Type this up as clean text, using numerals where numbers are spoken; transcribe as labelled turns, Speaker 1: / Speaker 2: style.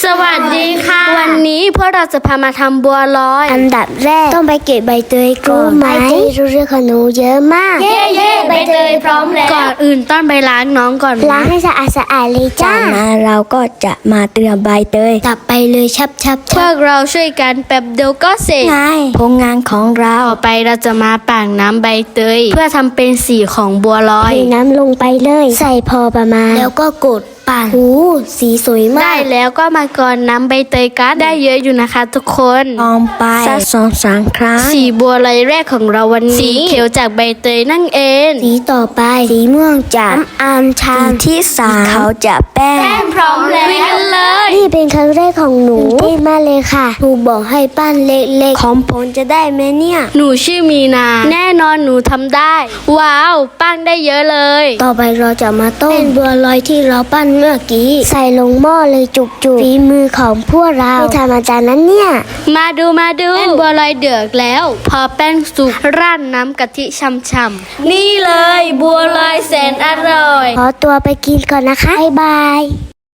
Speaker 1: วัสดีค่ะวันนี้พวกเราจะพามาทำบัวลอย
Speaker 2: อันดับแรกต้องไปเก็บใบเตยก่อนใบเตยรู้เรื่องของหนูเยอะมาก
Speaker 1: เย่ใบเตยพร้อมแล้วก่อนอื่นต้องไปล้างน้องก่อน
Speaker 2: ล้างให้สะอาดเลยจ้า
Speaker 3: จากนั้นเราก็จะมาเตรียมใบเตย
Speaker 2: ตับไปเลยชับ
Speaker 1: พวกเราช่วยกันแป๊บเดียวก็เสร็จ
Speaker 3: ง่ายผลงานของเรา
Speaker 1: ต่อไปเราจะมาปั่นน้ำใบเตยเพื่อทำเป็นสีของบัวลอย
Speaker 2: เทน้ำลงไปเลยใส่พอประมาณแล้วก็กดปั่นสีสวยมาก
Speaker 1: ได้แล้วก็มากรอนน้ำใบเตยกันได้เยอะอยู่นะคะทุกคน
Speaker 3: ลองไปสัก2-3 ครั้ง
Speaker 1: สีบัวลอยแรกของเราวันนี้สีเขียวจากใบเตยนั่นเอง
Speaker 2: สีต่อไปสีม่วงจากอัญชัน
Speaker 3: ที่3เขาจะแป้ง
Speaker 1: พร้อมแล้ววิ่งเลย
Speaker 2: นี่เป็นครั้งแรกของหนูเต้นมากเลยค่ะครูบอกให้ปั้นเล็กๆของผมจะได้ไหมเนี่ย
Speaker 1: หนูชื่อมีนาแน่นอนหนูทำได้ว้าวปั้นได้เยอะเลย
Speaker 2: ต่อไปเราจะมาต้มบัวลอยที่เราปั้นเมื่อกี้ใส่ลงหม้อเลยจุกๆฝีมือของพวกเราไม่ธรรมดานั้นเนี่ย
Speaker 1: มาดูแป้งบัวลอยเดือดแล้วพอแป้งสุกราดน้ำกะทิช่ำๆนี่เลยบัวลอยแสนอร่อย
Speaker 2: ขอตัวไปกินก่อนนะคะบ๊ายบาย